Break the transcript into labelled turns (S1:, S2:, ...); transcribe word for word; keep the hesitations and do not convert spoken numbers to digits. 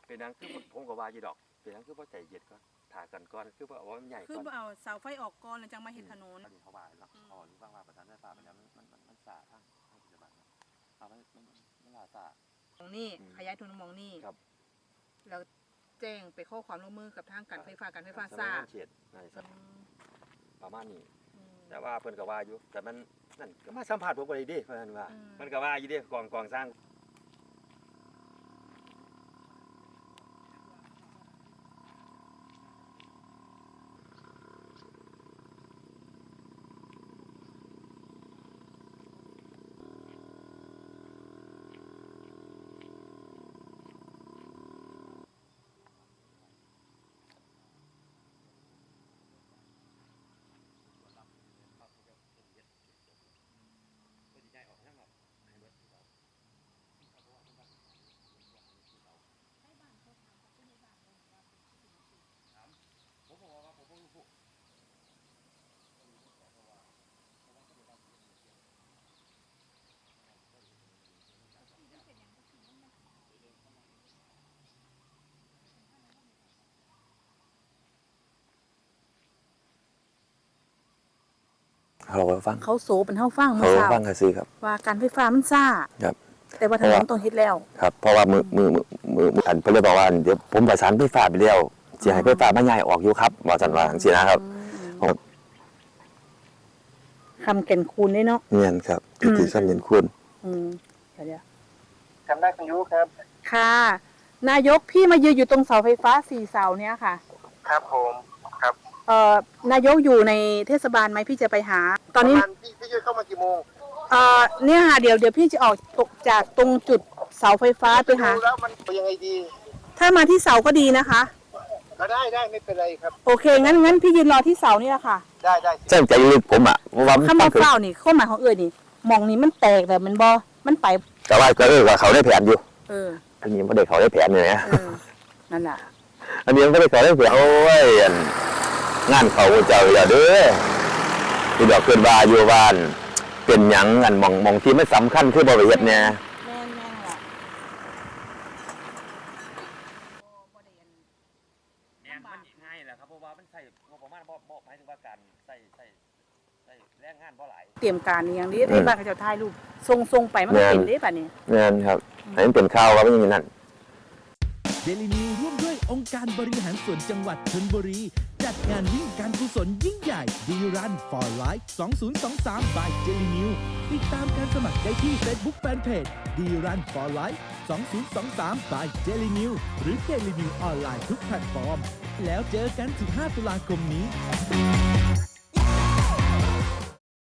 S1: เป็นนังคือผมก็ว่าอยู่ดอกเป็นนังคือพ่อใจเย็นก็ถ่ากันก่อนคือว่าว่ามันใหญ่ก่อน
S2: คือเอาเสาไฟออกก่อนแล้วจังมาเฮ็ดถนน
S1: อันนี้เขาว่าเนาะอ๋อหรือว่าว่าประธานไฟฟ้ามันมันมันมันสาทางทางปัจจุบันเนาะเอามันมันมันลาสาม
S2: องนี่ขยายทุนมองนี่
S1: ครับ
S2: แล้วแจ้งไปข้อความร่วมมือกับทางการไฟฟ้าการไฟฟ้าทราบ
S1: ประมาณนี้แต่ว่าเพิ่นก็ว่าอยู่แต่มันนั่นก็มาสัมผัสผมก็ได้ดิเพิ่นว่ามันก็ว่าอยู่ดิกองกองสร้างเขาฟัง
S2: เขาโซเป็นเฮาฟัง
S1: เมื่อเช้าเขาฟังก็ซื้อครับ
S2: ว่าการไฟฟ้ามันซ่า
S1: ครับ
S2: แต่ว่าถนนต้องเฮ็ดแล้ว
S1: ครับเพราะว่ามือมือมือมืออันเพิ่นเลยบอกว่าเดี๋ยวผมประสานไฟฟ้าไปแล้วสิให้ไฟฟ้ามาย้ายออกอยู่ครับว่าซั่นว่าจังซี่นะครับ
S2: คำแก่นคูณได้เนาะ
S1: เนียนครับที่คำแก่นคูณ
S2: อืมเดี๋ยว
S3: จำได้คุณยุครับ
S2: ค่ะนายกพี่มายืนอยู่ตรงเสาไฟฟ้าสี่เสาเนี้ยค่ะ
S3: ครับผมครับ
S2: เอ่อนายกอยู่ในเทศบาลไหมพี่จะไปหาตอนนี้
S3: พี่พี่จะเข้ามากี่โมง
S2: เอ่อเนี่ยค่ะเดี๋ยวเดี๋ยวพี่จะออกตกจากตรงจุดเสาไฟฟ้าไปหา
S3: แล้วมันยังไงดี
S2: ถ้ามาที่เสาก็ดีนะคะ
S3: ก็ได้ได้ไม่เป็นไรครับ
S2: โอเคงั้นงั้นพี่ยืนรอที่เสานี่แหละค่ะ
S3: ได้ได้
S1: ใช่ใจลึกผมอ่ะ
S2: ว่าข้ามาเฝ้านี่ข้อหมายของเอ๋ยนี่มองนี้มันแตกแต่มันบอมันไป
S1: แต่ว่าก็เออว่าเขาได้แผนอยู่
S2: เออ
S1: อันนี้ไม่ได้เขาได้แผนเลยนะ
S2: นั่นแหละ
S1: อันนี้ไม่ได้เขาได้แผนโอ้ยงานเขาเจ้าอย่าเด้อที่ดอกเกินว่าอยู่บ้านเป็นหยังอันมองมองที่ไม่สำคัญคือบริเวณเนี่ย
S2: แม่นแม่นแหละ
S1: เนี่ยมันง่ายแหละครับเพราะว่ามันใส่งบประมาณบ่บ่หมายถึงว่าการใส่ใส่ใส่แรงงานบ่หลาย
S2: เตรียมการอย่างนี้ในบ้านเขาจะถ่ายรูปทรงทรงไปมันเป็นได้ป่ะนี่
S1: แม่นครับให้มันเป็นข้าวครับมันอย่างนั้น
S4: เดลินิวร่วมด้วยองค์การบริหารส่วนจังหวัดชลบุรีจัดงานวิ่งการกุศลยิ่งใหญ่ดีรัน for life สองพันยี่สิบสาม by เดลินิวติดตามการสมัครได้ที่ Facebook Fanpage ดีรัน for life สองพันยี่สิบสาม by เดลินิวหรือเดลินิวออนไลน์ทุกแพลตฟอร์มแล้วเจอกันสิบห้าตุลาคมนี้